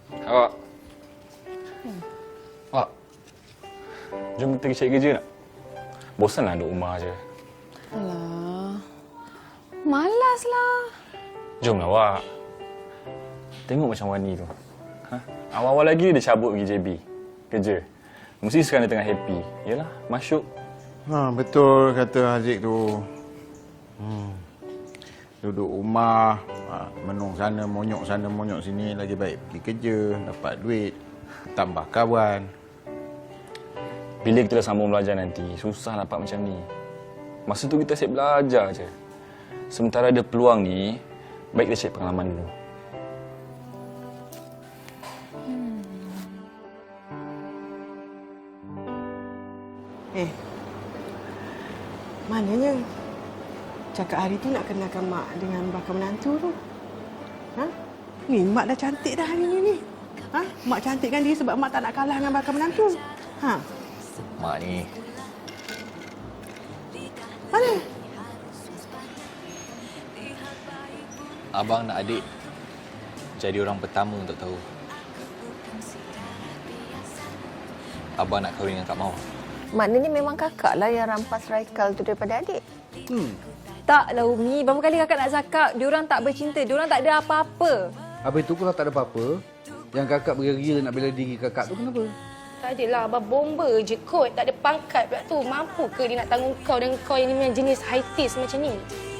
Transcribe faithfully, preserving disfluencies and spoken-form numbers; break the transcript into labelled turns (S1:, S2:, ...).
S1: Awak. Hmm. Awak. Jom kita pergi cari kerja nak? Bosanlah duduk rumah je.
S2: Alah. Malaslah.
S1: Jomlah, awak. Tengok macam Wani tu. Ha? Awal-awal lagi dia cabut pergi J B. Kerja. Mesti sekarang dia tengah happy. Yalah, masyuk.
S3: Ha, betul kata Haziq tu. Hmm. Duduk rumah, ha, menung sana, monyok sana, monyok sini. Lagi baik pergi kerja, dapat duit, tambah kawan.
S1: Bila kita dah sambung belajar nanti, susah dapat macam ni. Masa tu kita asyik belajar je. Sementara ada peluang ni, baik kita cari pengalaman dulu.
S4: Eh, mananya cakap hari tu nak kenalkan mak dengan bakal menantu tu? Ha? Ni mak dah cantik dah hari ni ni. Ha? Mak cantikkan diri sebab mak tak nak kalah dengan bakal menantu. Ha?
S5: Mak ni,
S4: Mana?
S5: abang nak adik jadi orang pertama untuk tahu. Abang nak kahwin dengan Kak Mawar.
S6: Maknanya memang kakak lah yang rampas Raikal tu daripada adik.
S2: Hmm. Taklah Umi, berapa kali kakak nak cakap diorang tak bercinta, diorang tak ada apa-apa.
S7: Habis tu kalau tak ada apa-apa, yang kakak beria-ria nak bela diri kakak tu kenapa?
S8: Tak adalah, abang bomba je kot. Tak ada pangkat pula tu. Mampu ke dia nak tanggung kau dan kau yang ni jenis high taste macam ni?